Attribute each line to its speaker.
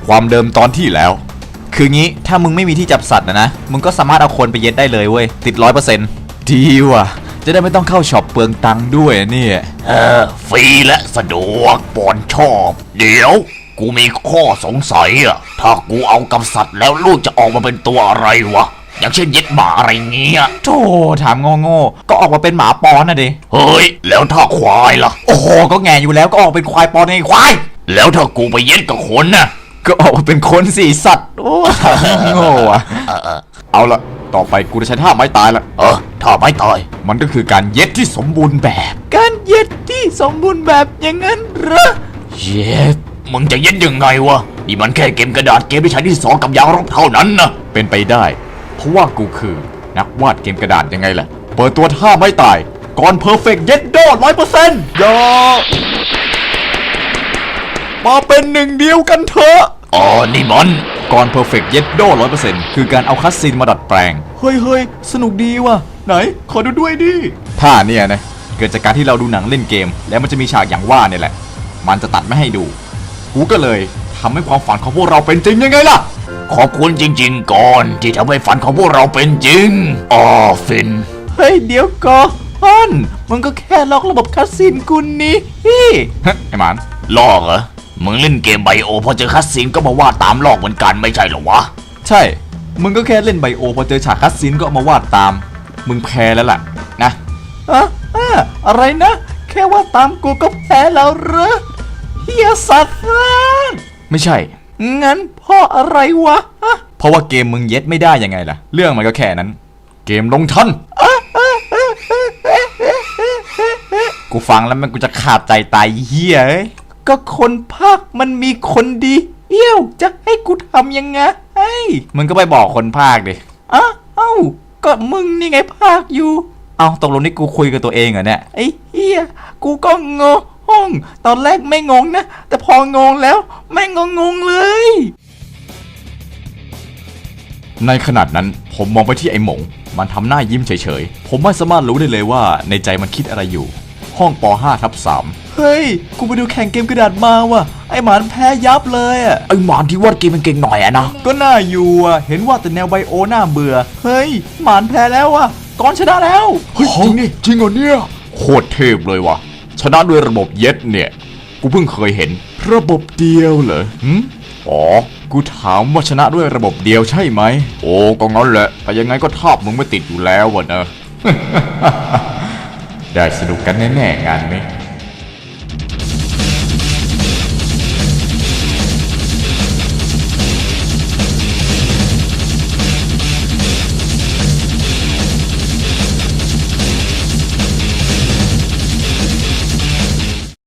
Speaker 1: ความเดิมตอนที่แล้วคืองี้ถ้ามึงไม่มีที่จับสัตว์นะมึงก็สามารถเอาคนไปเย็ดได้เลยเว้ยติด 100% ดีว่ะจะได้ไม่ต้องเข้าช็อปเปลืองตังค์ด้วยเนี่ย
Speaker 2: ฟรีและสะดวกปอนชอบเดี๋ยวกูมีข้อสงสัยอะถ้ากูเอากับสัตว์แล้วลูกจะออกมาเป็นตัวอะไรวะอย่างเช่นเย็ดหมาอะไรเงี้ย
Speaker 1: โธ่ถามโง่ๆก็ออกมาเป็นหมาปอนนะดิ
Speaker 2: เฮ้ยแล้วถ้าควายล่ะ
Speaker 1: โอ้โหก็แง่อยู่แล้วก็ออกเป็นควายปอนไงควาย
Speaker 2: แล้วถ้ากูไปเย็ดกับคนน่ะ
Speaker 1: ก็ออกมาเป็นคนสิสัตว์โอ้โง่อะเอาละต่อไปกูจะใช้ท่าไม้ตายละ
Speaker 2: ท่าไม้ตาย
Speaker 1: มันก็คือการเย็ดที่สมบูรณ์แบบการเย็ดที่สมบูรณ์แบบอย่างนั้นเหรอ
Speaker 2: เย็ดมึงจะเย็ดยังไงวะนี่มันแค่เกมกระดาษเกมที่ใช้ที่สองกับยางรบเท่านั้นนะ
Speaker 1: เป็นไปได้เพราะว่ากูคือนักวาดเกมกระดาษยังไงล่ะเปิดตัวท่าไม้ตายก่อนเพอร์เฟกต์เย็ดโด 100% ยอมาเป็นหนึ่งเดียวกันเถอะ
Speaker 2: นี่มัน
Speaker 1: ก่อนเพอร์เฟกต์เย็ดโด 100% คือการเอาคัสซีนมาดัดแปลงเฮ้ยสนุกดีว่ะไหนขอดูด้วยดิท่าเนี่ยนะเกิดจากการที่เราดูหนังเล่นเกมแล้วมันจะมีฉากอย่างว่าเนี่ยแหละมันจะตัดไม่ให้ดูกูก็เลยทำให้ความฝันของพวกเราเป็นจริงยังไงล่ะ
Speaker 2: ขอบคุณจริงๆก่อนที่ทำให้ฝันของพวกเราเป็นจริงฟิน
Speaker 1: เฮ้ยเดี๋ยวก่อนมันก็แค่ล็อกระบบคัสซีนกูนี่ไอ้หมาน
Speaker 2: ลอกเหรอมึงเล่นเกมไบโอพอเจอคัสซีนก็มาวาดตามลอกเหมือนกันไม่ใช่หรอวะ
Speaker 1: ใช่มึงก็แค่เล่นไบโอพอเจอฉากคัสซีนก็เอามาวาดตามมึงแพ้แล้วล่ะนะอะไรนะแค่ว่าตามกูก็แพ้แล้วเหรอเฮียสัตว์ไม่ใช่งั้นเพราะอะไรวะเพราะว่าเกมมึงเย็ดไม่ได้ยังไงล่ะเรื่องมันก็แค่นั้นเกมลงทันกูฟังแล้วมันกูจะขาดใจตายเฮียก็คนภาคมันมีคนดีเอี้ยวจะให้กูทำยังไงมึงก็ไปบอกคนภาคดิเอ้าก็มึงนี่ไงภาคอยู่ตกลงนี่กูคุยกับตัวเองเหรอเนี่ยไอ้เฮียกูก็งงตอนแรกไม่งงนะแต่พองงแล้วแม่งงงเลยในขนาดนั้นผมมองไปที่ไอ้หมงมันทำหน้ายิ้มเฉยๆผมไม่สามารถรู้ได้เลยว่าในใจมันคิดอะไรอยู่ห้องป.5/3 เฮ้ยกูไปดูแข่งเกมกระดาษมาว่ะไอ้หมานแพ้ยับเลย
Speaker 2: ไอ้หมานที่วาดเกมมันเก่งหน่อยนะ
Speaker 1: ก็น่าอยู่เห็นว่าแต่แนวไบโอหน้าเบื่อเฮ้ยหมานแพ้แล้วก่อนชนะแล้ว
Speaker 2: เฮ้ยจริงเหรอเนี่ย
Speaker 1: โคตรเทพเลยว่ะชนะด้วยระบบเย็ดเนี่ยกูเพิ่งเคยเห็นระบบเดียวเหรอกูถามว่าชนะด้วยระบบเดียวใช่ไหมโอ้ก็งั้นแหละแต่ยังไงก็ทาบมึงไม่ติดอยู่แล้ววะนะ ได้สนุกกันแน่ๆงานนี้